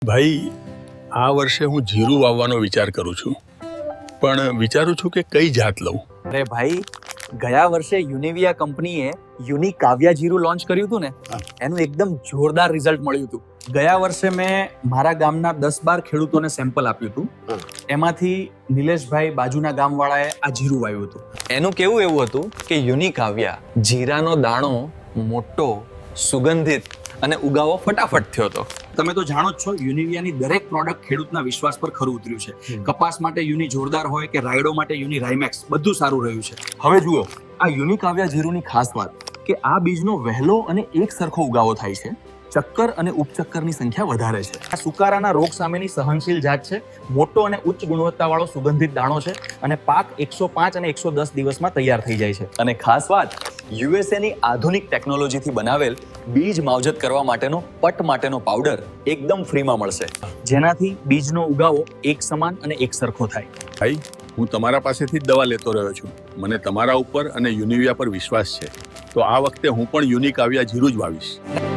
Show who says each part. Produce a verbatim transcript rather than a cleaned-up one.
Speaker 1: ભાઈ, આ વર્ષે હું જીરું વાવવાનો વિચાર કરું છું, પણ વિચારું છું કે કઈ જાત લઉં.
Speaker 2: અરે ભાઈ, ગયા વર્ષે યુનિવિયા કંપનીએ યુનિક કાવ્યા જીરું લોન્ચ કર્યું હતું ને, એનું એકદમ જોરદાર રિઝલ્ટ મળ્યું હતું. ગયા વર્ષે મેં મારા ગામના દસ બાર ખેડૂતોને સેમ્પલ આપ્યું હતું. એમાંથી નિલેશભાઈ બાજુના ગામવાળાએ આ જીરું વાવ્યું હતું. એનું કેવું એવું હતું કે યુનિક કાવ્યા જીરાનો દાણો મોટો, સુગંધિત અને ઉગાવો ફટાફટ થયો હતો. તમે તો જાણો જ છો, યુનિવિયાની દરેક પ્રોડક્ટ ખેડૂતના વિશ્વાસ પર ખરું ઉતર્યું છે. કપાસ માટે યુની જોરદાર હોય કે રાયડો માટે યુની રાઇમેક્સ, બધું સારું રહ્યું છે. હવે જુઓ, આ યુનિક કાવ્યા જીરુની ખાસ વાત કે આ બીજનો વહેલો અને એક સરખો ઉગાવો થાય છે. ચક્કર અને ઉપચક્કરની સંખ્યા વધારે છે. આ સુકારાના રોગ સામેની સહનશીલ જાત છે. મોટો અને ઉચ્ચ ગુણવત્તાવાળો સુગંધિત દાણો છે અને પાક એકસો પાંચ અને એકસો દસ દિવસમાં તૈયાર થઈ જાય છે. અને ખાસ વાત, યુએસએની આધુનિક ટેકનોલોજીથી બનાવેલ બીજ માવજત કરવા માટેનો પટ માટેનો પાવડર એકદમ ફ્રીમાં મળશે, જેનાથી બીજનો ઉગાવો એક સમાન અને એક સરખો થાય.
Speaker 1: ભાઈ, હું તમારા પાસેથી જ દવા લેતો રહ્યો છું. મને તમારા ઉપર અને યુનિવિયા પર વિશ્વાસ છે, તો આ વખતે હું પણ યુનિક કાવ્યા જીરું જ વાવીશ.